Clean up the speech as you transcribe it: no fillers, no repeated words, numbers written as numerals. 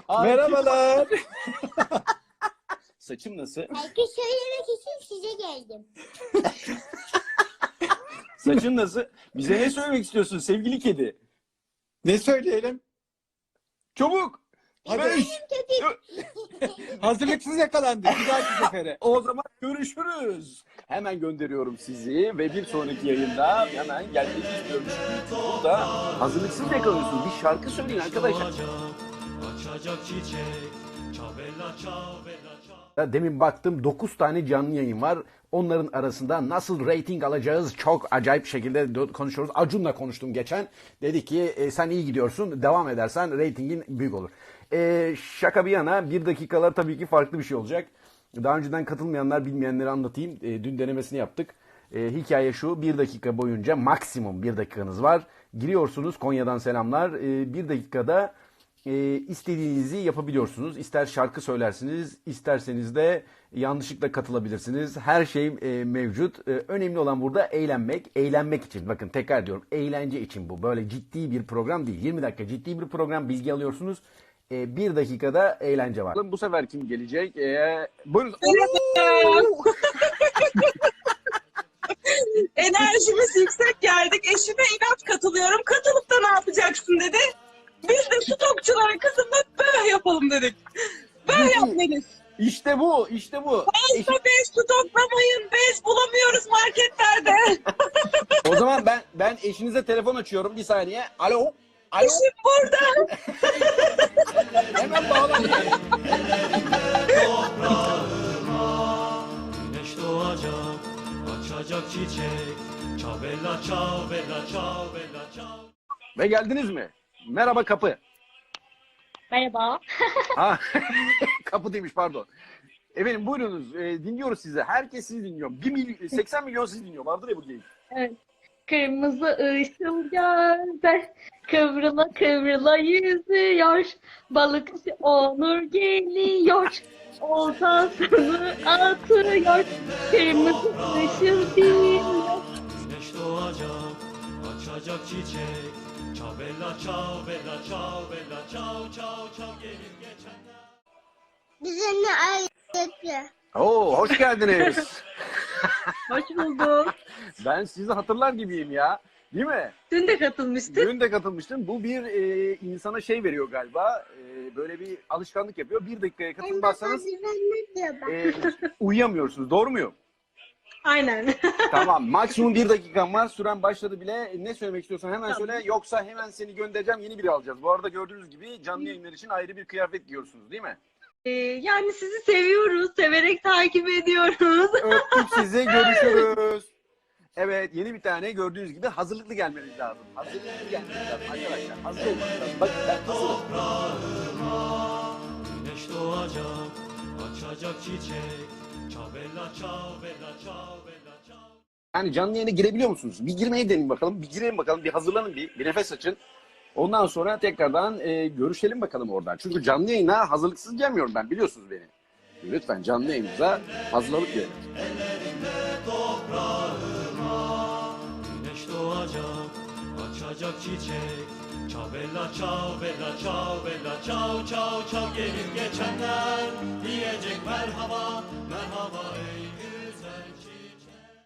Merhabalar. Saçım nasıl? Herkes söylemek için size geldim. Saçın nasıl? Bize ne söylemek istiyorsun sevgili kedi? Ne söyleyelim? Çabuk! Hadi. Beş! Hazırlıksız yakalandık. Bir dahaki sefere. O zaman görüşürüz. Hemen gönderiyorum sizi ve bir sonraki yayında hemen gelmek istiyorum. Burada hazırlıksız yakalıyorsunuz. Bir şarkı söyleyin arkadaşlar. Açacak çiçek, çavella çavella çavella. Demin baktım 9 tane canlı yayın var. Onların arasında nasıl rating alacağız çok acayip şekilde konuşuyoruz. Acun'la konuştum geçen. Dedi ki sen iyi gidiyorsun. Devam edersen ratingin büyük olur. Şaka bir yana 1 dakikalar tabii ki farklı bir şey olacak. Daha önceden katılmayanlar bilmeyenleri anlatayım. Dün denemesini yaptık. Hikaye şu: 1 dakika boyunca maksimum 1 dakikanız var. Giriyorsunuz, Konya'dan selamlar. 1 dakikada istediğinizi yapabiliyorsunuz. İster şarkı söylersiniz, isterseniz de yanlışlıkla katılabilirsiniz. Her şey mevcut. Önemli olan burada eğlenmek. Eğlenmek için. Bakın tekrar diyorum. Eğlence için bu. Böyle ciddi bir program değil. 20 dakika ciddi bir program. Bilgi alıyorsunuz. 1 dakikada eğlence var. Bu sefer kim gelecek? Buyurun. Enerjimiz yüksek geldik. Eşime inat katılıyorum. Katılıp da ne yapacaksın dedi. Biz de stokçulara kızımla böyle yapalım dedik. Böyle yapmalıyız. İşte bu. İşte bu. Fazla bez stoklamayın. Bez bulamıyoruz marketlerde. O zaman ben eşinize telefon açıyorum. Bir saniye. Alo. Alo. Eşim burada. Hemen bağlanın. Güneş doğacak, açacak çiçek, çavella çavella çavella çavella. Ve geldiniz mi? Merhaba kapı. Merhaba. Ha, kapı demiş pardon. Efendim buyurunuz, dinliyoruz sizi. Herkes sizi dinliyor. 80 milyon sizi dinliyor. Vardır ya bu geyik. Evet. Kırmızı ışıl gözler kıvrıla kıvrıla yüzüyor. Balıkçı Onur geliyor. Oltasını atıyor. Kırmızı ışıl dinliyor. Güneş doğacak, açacak çiçek, çavella çavella çavella çav çav çav gelin geçenler. Bizimle ayrıca. Oo, hoş geldiniz. Hoş bulduk. Ben sizi hatırlar gibiyim ya. Değil mi? Dün de katılmıştık. Dün de katılmıştım. Bu bir insana şey veriyor galiba. Böyle bir alışkanlık yapıyor. 1 dakikaya katılmazsanız ne diyor bak. uyuyamıyorsunuz. Doğru muyum? Aynen. Tamam. Maksimum 1 dakikan var. Süren başladı bile. Ne söylemek istiyorsan hemen Tamam. söyle. Yoksa hemen seni göndereceğim. Yeni biri alacağız. Bu arada gördüğünüz gibi canlı yayınlar için ayrı bir kıyafet giyiyorsunuz değil mi? Yani sizi seviyoruz. Severek takip ediyoruz. Öptük sizi. Görüşürüz. Evet, yeni bir tane gördüğünüz gibi hazırlıklı gelmeniz lazım. Hazırlıklı gelmeniz lazım arkadaşlar. Hazır olmanız lazım. Bakın ben hazırım. Güneş doğacak, açacak çiçek, çavella çavella çavella çav. Yani canlı yayına girebiliyor musunuz? Bir girmeyi deneyin bakalım. Bir girelim bakalım. Bir hazırlanın bir nefes açın. Ondan sonra tekrardan görüşelim bakalım oradan. Çünkü canlı yayına hazırlıksız gelmiyorum ben. Biliyorsunuz beni. Lütfen canlı yayınımıza hazırlanıp gelin. Güneş doğacak, açacak çiçek, çavella çavella çavella çav çav çav gelin geçenler diyecek merhaba merhaba ey